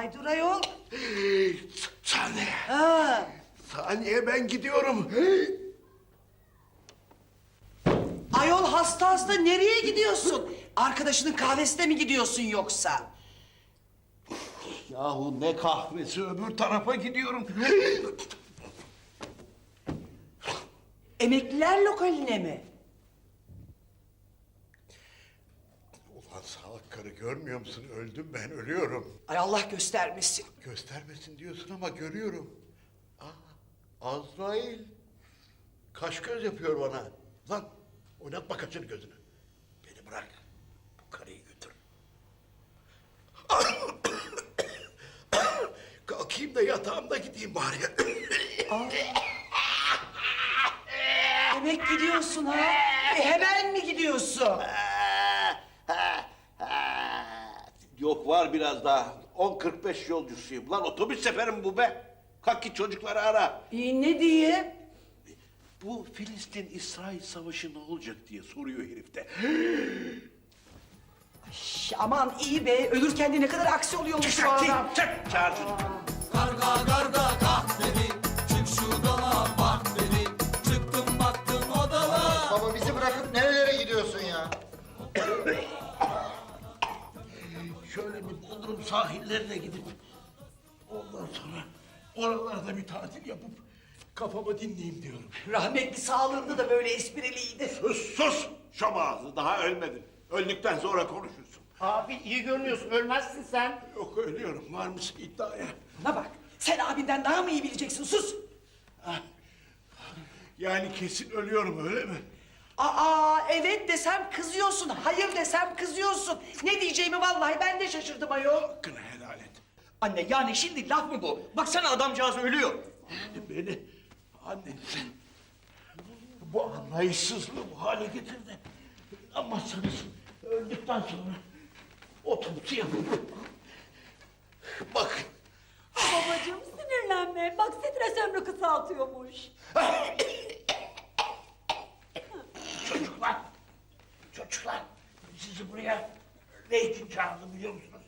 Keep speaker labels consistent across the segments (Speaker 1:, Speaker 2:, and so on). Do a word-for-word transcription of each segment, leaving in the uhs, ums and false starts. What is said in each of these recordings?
Speaker 1: Ay dur ayol.
Speaker 2: Saniye.
Speaker 1: Ha.
Speaker 2: Saniye ben gidiyorum.
Speaker 1: Ayol hasta hasta nereye gidiyorsun? Arkadaşının kahvesine mi gidiyorsun yoksa?
Speaker 2: Yahu ne kahvesi, öbür tarafa gidiyorum.
Speaker 1: Emekliler lokaline mi?
Speaker 2: Ulan salak karı, görmüyor musun? Öldüm ben, ölüyorum.
Speaker 1: Ay Allah göstermesin.
Speaker 2: Göstermesin diyorsun ama görüyorum. Aa, Azrail. Kaş göz yapıyor bana. Lan oynatma kaşını gözünü. Beni bırak. Bu karıyı götür. Kalkayım da yatağımda gideyim bari.
Speaker 1: Demek gidiyorsun ha? E, hemen mi gidiyorsun?
Speaker 2: Yok, var biraz daha. on kırk beş yolcusuyum. Lan otobüs seferi mi bu be? Kalk git çocukları ara.
Speaker 1: İyi ne diye?
Speaker 2: Bu Filistin-İsrail savaşı ne olacak diye soruyor herif de.
Speaker 1: Şş, aman iyi be. Ölürken de ne kadar aksi oluyormuş bu adam.
Speaker 2: Çık, çağır şunu.
Speaker 3: Karga karga kah dedi, çık şu dala bak dedi. Çıktım baktım odala.
Speaker 4: Baba bizi bırakıp nerelere gidiyorsun ya?
Speaker 2: Şöyle bir Bodrum sahillerine gidip ondan sonra oralarda bir tatil yapıp kafamı dinleyeyim diyorum.
Speaker 1: Rahmetli sağlığında da böyle espriliydi.
Speaker 2: Sus sus! Şom ağzı, daha ölmedin. Öldükten sonra konuşursun.
Speaker 4: Abi iyi görünüyorsun, ölmezsin sen.
Speaker 2: Yok, ölüyorum. Var mısın iddiaya?
Speaker 1: Bana bak. Sen abinden daha mı iyi bileceksin? Sus.
Speaker 2: Yani kesin ölüyorum, öyle mi?
Speaker 1: Aa evet desem kızıyorsun. Hayır desem kızıyorsun. Ne diyeceğimi vallahi ben de şaşırdım ayol.
Speaker 2: Hakkını helal et.
Speaker 5: Anne yani şimdi laf mı bu? Baksana adamcağız ölüyor.
Speaker 2: Beni annen bu anlayışsızlığı bu hale getirdi. Anlamazsanız öldükten sonra otobüsü yapıp bak.
Speaker 6: Babacığım sinirlenme. Bak stres ömrü kısaltıyormuş.
Speaker 2: Çocuklar, çocuklar sizi buraya ne için çağırdım biliyor musunuz?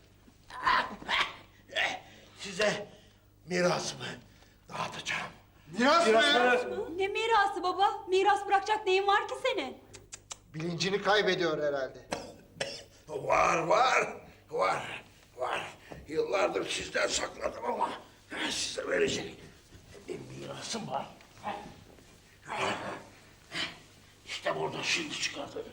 Speaker 2: Size mirasımı dağıtacağım.
Speaker 4: Miras mı?
Speaker 6: Ne mirası baba? Miras bırakacak neyin var ki senin?
Speaker 4: Bilincini kaybediyor herhalde.
Speaker 2: Var, var, var, var. Yıllardır sizden sakladım ama size verecek bir mirasım var. İşte burada şimdi çıkartıyorum.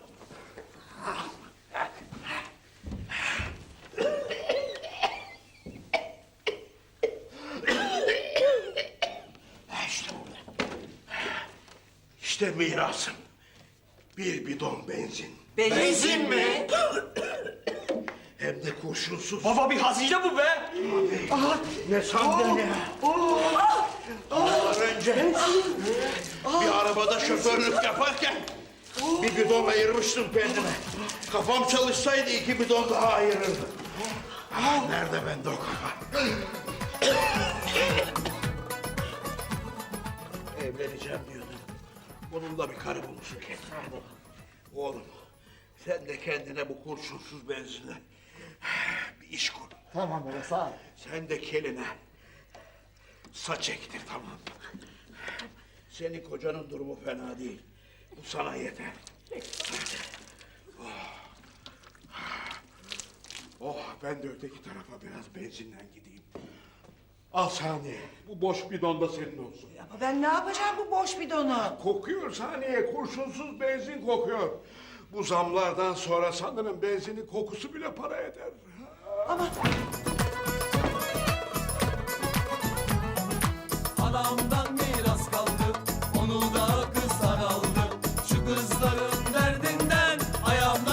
Speaker 2: İşte burada. İşte mirasım. Bir bidon benzin.
Speaker 1: Benzin mi?
Speaker 2: Hem de kurşunsuz.
Speaker 5: Baba bir hazine bu be.
Speaker 2: Ne sandın ya? Yıllar önce bir arabada şoförlük yaparken bir bidon ayırmıştım kendime. Kafam çalışsaydı iki bidon daha ayırırdım. Ah, nerede bende o kafa? Evleneceğim diyordum. Bununla bir karı bulursun kendine. Oğlum, sen de kendine bu kurşunsuz benzinle bir iş kur.
Speaker 4: Tamam baba sağ ol.
Speaker 2: Sen de keline saç ektir, tamam mı? Senin kocanın durumu fena değil. Bu sana yeter. Oh. Oh, ben de öteki tarafa biraz benzinden gideyim. Al Saniye, bu boş bidon da senin olsun.
Speaker 1: Ama ben ne yapacağım bu boş bidonu?
Speaker 2: Kokuyor Saniye, kurşunsuz benzin kokuyor. Bu zamlardan sonra sanırım benzinin kokusu bile para eder.
Speaker 1: Ama